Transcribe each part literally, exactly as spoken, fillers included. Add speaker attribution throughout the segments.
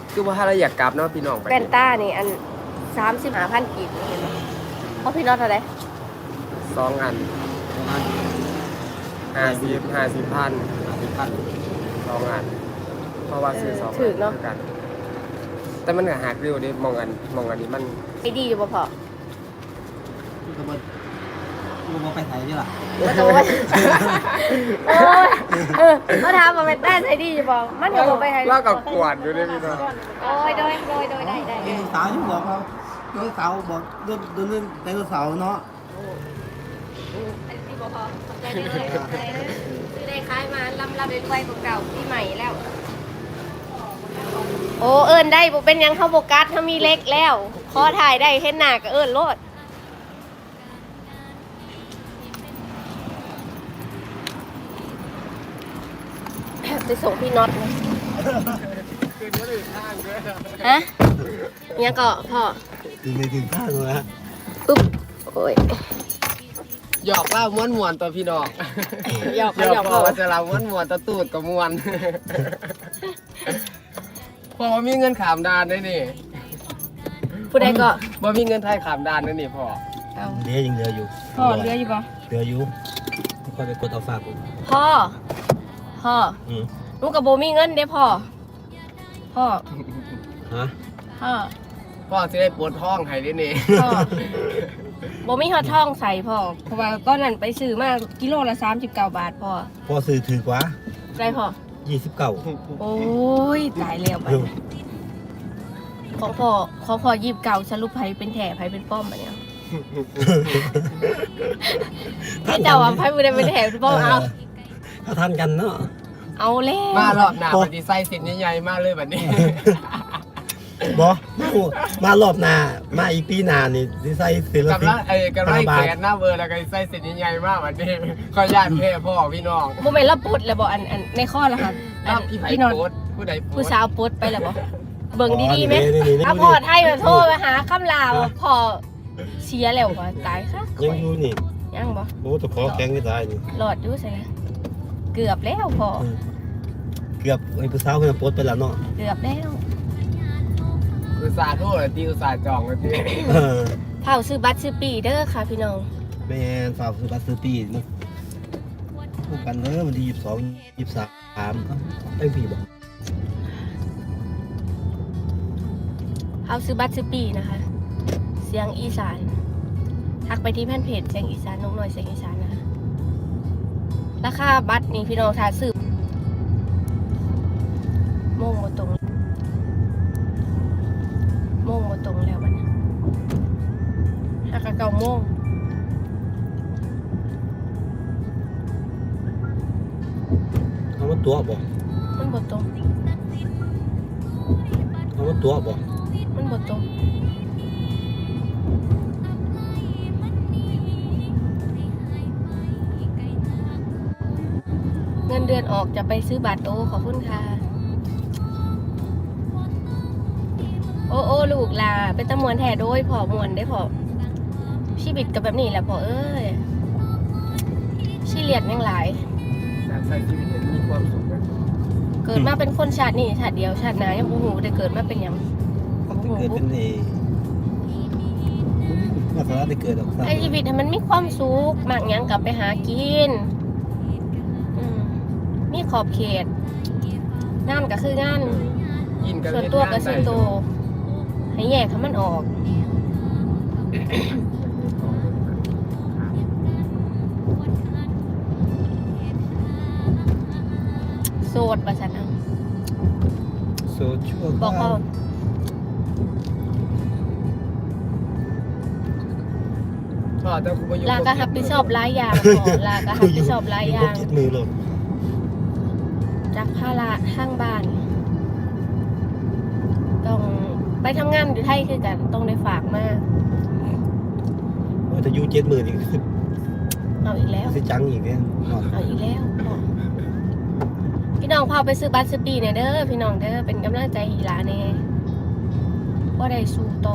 Speaker 1: คือว่าถ้าเราอยากกลับเนาะพี่น้องไป
Speaker 2: แว่นตานี่อันสามสิบห้าพันกีบเห็นไหมเพราะพี่น็อตเท่าไหร่
Speaker 1: สองอันห้าสิบห้าสิบพัน
Speaker 3: ห้าสิบพัน
Speaker 1: สองอันเพราะว่าซื้อสอง
Speaker 2: ถือเนาะ
Speaker 1: กัน แต่มันก็หักเร็วเด้มองอันมองอันนี้มัน
Speaker 2: ไอ้ดีอยู่บ่พอ
Speaker 3: ที่กระบวนกูบอกไปไทยนี่ล่ะ
Speaker 2: มาโดนโอ้ยเออมาถามว่าแว่นตาใส่ดีอยู่บ่มันก็บ่ไปให้
Speaker 1: เล่ากับกวาดอยู่ด้วยพี่น้อง
Speaker 2: โอ้ยโดยโดยโดยได้ได้
Speaker 3: ไอ้สาวที่บอกเขาไดโนเสาร์บอกเรื่องเรื่องไดโนเสาร์เนาะ
Speaker 2: อันนี้บ่พอใจเด้อซื้อได้ขายมาลำลำด้วยๆเก่าๆที่ใหม่แล้ว โอ้เอิ้นได้บ่เป็นหยังเข้าโบกัสถ้ามีเล็กแล้วขอถ่ายได้เห็นหน้าก็เอิ้นโลดไปส่งพี่น็อตนะ
Speaker 1: คือเดี๋ยวอื่นทางด้วย
Speaker 2: ฮะยังก็พ่อ
Speaker 3: ถึงในถึงข้างแล้ว
Speaker 2: ปึ๊บโอ้ย
Speaker 1: หยอกเล่าม้วนมวนๆตัวพี่น้อง
Speaker 2: หยอก
Speaker 1: หย
Speaker 2: หย
Speaker 1: อ
Speaker 2: อก ก
Speaker 1: บอกว่าจะเล่าม้วนมวนๆตัวตูดกับมวน พอมีเงินขามดานด้วยนี่
Speaker 2: ผู้ใดก็
Speaker 1: บ่มีเงินไทยขามดานด้วยนี่พ่อ
Speaker 2: เอา
Speaker 3: เดี๋ยวยังเหลืออยู่
Speaker 2: พ่อเรืออยู่ปะ
Speaker 3: เหลืออยู่ค่อยไปกดเอาฝากผม
Speaker 2: พ่อพ่อ
Speaker 3: อืม
Speaker 2: หนูกับโบมีเงินเด้พ่อพ่อ
Speaker 3: ฮะ
Speaker 2: พ่อ
Speaker 1: พ่อจะได้ปวดท้องให้ด้วยนี่
Speaker 2: พ่อโบมีหอดท่องใส่พ่อเพราะว่าตอนนั้นไปซื้อมากิโลละสามสิบเก้าบาทพ่อ
Speaker 3: พอซื้อถือกว่า
Speaker 2: ได้พ่อ
Speaker 3: ยี่สิบเก้า
Speaker 2: โอ้ยตายแล้วไปของพ่อของพ่อยีบเก่าสรุปไผเป็นแถไผเป็นป้อมอะเนี่ยพี่เจ้าอ่ะไผไม่ได้เป็นแถเป็นป้อมเอา
Speaker 3: ถ้าทันกันเนาะ
Speaker 2: เอาแล้ว
Speaker 1: มารอบหน้าปฏิไซสินใหญ่ๆมากเลยแบบนี้
Speaker 3: บอมารอบหน้ามาอีกปีหน้านี่สิใส่ศิล
Speaker 1: กับ
Speaker 3: ปิน
Speaker 1: ละไอ้กับไรแขนหน้าเบอร์แล้วก็ไซสินใหญ่ๆมากแบบนี้ขอญาติแพ่พ่อพี่น้อง
Speaker 2: โมเมนต์เราปุดเลยบอกอันอันในข้อละค่ะอั
Speaker 1: รั
Speaker 2: น
Speaker 1: บพี่ไผ่
Speaker 2: พี่นอน
Speaker 1: โพสต์ผู้ใดโพ
Speaker 2: ผู้
Speaker 1: สต์
Speaker 2: สาวปุดไปแล้วบอกเบิ่งดีๆไหม
Speaker 3: นี่นี่นี่
Speaker 2: เอาพอไทยมาโทรไปหาคำลาวพอเชียร์แล้วบ่ตายค่ะ
Speaker 3: ยังอยู่นี่
Speaker 2: ยังบ่
Speaker 3: โอ้ตะขอแข็งไม่ตายนี่
Speaker 2: หลอดอยู่ใส่เกือบแล้วพอ
Speaker 3: เกือบไอ้ผู้สาวเพิ่นโพสต์ไปแล้วเนาะ
Speaker 2: เกือบแล้ว
Speaker 1: อุตส่าห์โทษตีอุตส่าห์จองเลยพี่
Speaker 3: เออ
Speaker 2: เผาซื้อบัตรซื้อปีเด้อค่ะพี่น้อง
Speaker 3: แม่นฝากซื้อบัตรซื้อปีนะคู่กันเด้อวันที่ยี่สิบสอง ยี่สิบสามเอ้ยพี่บ่
Speaker 2: เผาซื้อบัตรซื้อปีนะคะ เสียงอีสานทักไปที่แฟนเพจเสียงอีสานนกน้อยเสียงอีสานนะคะราคาบัตรนี่พี่น้องถ้าซื้อโมงบ่ตรงโมงบ่ตรงแล้วมันหักกะเก่าโมง
Speaker 3: เอามาตัวบ่
Speaker 2: มันบ่ตรง
Speaker 3: เอามาตัวบ่
Speaker 2: มันบ่ตรงเงินเดือนออกจะไปซื้อบัตรโอ้ขอบคุณค่ะโอ้โอ้ลูกลาเป็นตะมวนแท้โดยพอมวนได้พอชีวิตกับแบบนี้แหละพอเอ้ยชีเลียดยังหลาย
Speaker 1: แต่ใส่ชีวิตเนี่ยมีความสุขนะ
Speaker 2: เกิดมาเป็นคนชาตินี่ชาติเดียวชาติหน้ายังบ่ฮู้ได้เกิดมาเป็นหยัง
Speaker 3: มันจะเกิดเป็นเอมาสาระได้เกิดหรอกครับ
Speaker 2: ไอ้ชีวิตให้มันมีความสุขมากหยังกลับไปหากินอืมมีขอบเขตงานก็คืองาน
Speaker 1: ยินกัน
Speaker 2: ส่วนตัวกับส่วนตัวให้แยกให้มันออก โสดประชันเอา
Speaker 3: โซเชียล
Speaker 2: บอกเขา
Speaker 1: พ่อแต่กูไปอยู่
Speaker 2: ลาก็รับผิดชอบหลายอย่างพอลาก็รับผิดชอบหลายอย่าง
Speaker 3: คิดมือเลย
Speaker 2: จากภาระทางบ้าน ต้องไปทำงานอยู่ไทยคือกัน ต้องได้ฝากมาก
Speaker 3: ว่าจะอยู่เจ็ดมือนี่คือ
Speaker 2: เอาอีกแล้ว
Speaker 3: สิจังอีกเนี่ย
Speaker 2: เอาอีกแล้วพ่อพี่น้องพาไปซื้อบัตรซื้อปีเนี่ยเด้อพี่น้องเด้อเป็นกำลังใจให้หลานแน่ว่าได้สู้ต่อ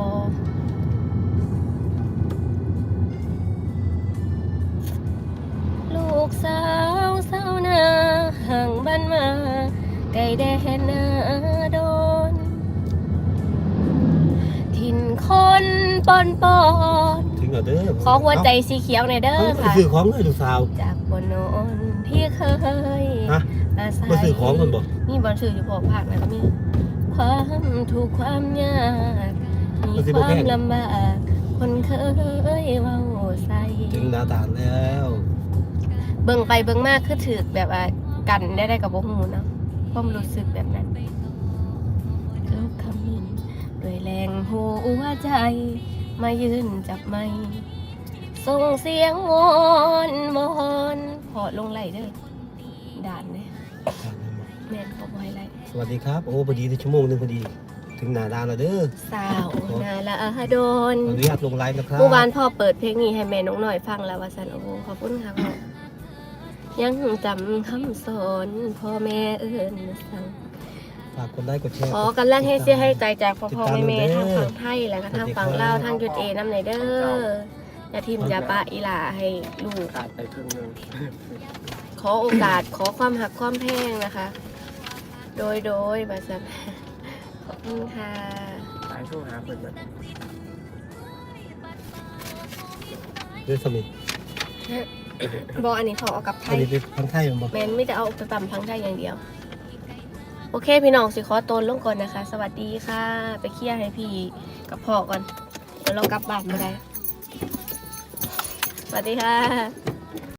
Speaker 2: ลูกสาวสาวนาห่างบ้านมาไกลแดนนาโดนปอนปอน
Speaker 3: ถึงแล้วเด้อ
Speaker 2: ขอหัวใจสีเขียวในอยเด้อ
Speaker 3: เอ้า
Speaker 2: ค่ะ
Speaker 3: ซื้อของเลยลูกสาว
Speaker 2: จากบนโนนที่เคย
Speaker 3: ฮะ
Speaker 2: อาศัย
Speaker 3: มาซื้อของกันบ่
Speaker 2: มีบอลซื้ออยู่พอภาคนะก็มีความถูกข์ความยากมีความลำบากคนเคยเว้าใส่
Speaker 3: ถึงหน้าตาลแล้ว
Speaker 2: เบิ่งไปเบิ่งมากคือถือแบบว่ากันได้ได้กับบ่ฮู้เนาะความรู้สึกแบบนั้นทุกคำมินด้วยแรงหัวใจ มายืนจับไม้ส่งเสียงวอนวอนพอลงไหลเด้อด่านเนี่ยแม่นขอบ่ให้ไหล
Speaker 3: สวัสดีครับโอ้พอดีได้ชั่วโมงหนึงพอดีถึงหน้าด่านแล้วเด้อ
Speaker 2: สาวนาละโดน
Speaker 3: ขออนุญาตลงไลน์นะครับ
Speaker 2: เมื่อวานพ่อเปิดเพลงนี้ให้แม่น้องหน่อยฟังแล้วว่าสันโอ้โหขอบคุณค่ะพ่อยังจำคำสอนพ่อแม่เอิ้นสั่ง
Speaker 3: ฝากกดไลค์กดแชร์
Speaker 2: ขอกำลังให้เสียให้ใจจากพ่อพ่อ
Speaker 3: ติดตาม
Speaker 2: แม่แม่
Speaker 3: เด้อ
Speaker 2: ทางฝั่งไทยแล้วก็ทางฝั่งลาวทางจุดเอน้ำไหนเด้ออย่าทิมอย่าปะอีหลาให้ลูก
Speaker 1: ขาดไปครึ่งหนึง
Speaker 2: ขอโอกาสขอความหักความแพงนะคะ โดยโดยบาสันขอบคุณค่ะ
Speaker 1: ตายสู้หาเพิ่นแบบ
Speaker 3: เรื่องสมิธ
Speaker 2: บอกอันนี้ขอเอากลับไท
Speaker 3: อัน
Speaker 2: ย
Speaker 3: นี้เป็นพันไทยมันบอก
Speaker 2: แมนไม่ได้เอาไปตำพังไทยอย่างเดียว โอเคพี่น้องสิขอตัวลงก่อนนะคะ สวัสดีค่ะ ไปเคลียร์ให้พี่กับพ่อก่อนเดี๋ยวเรากลับบ้านมาได้ สวัสดีค่ะ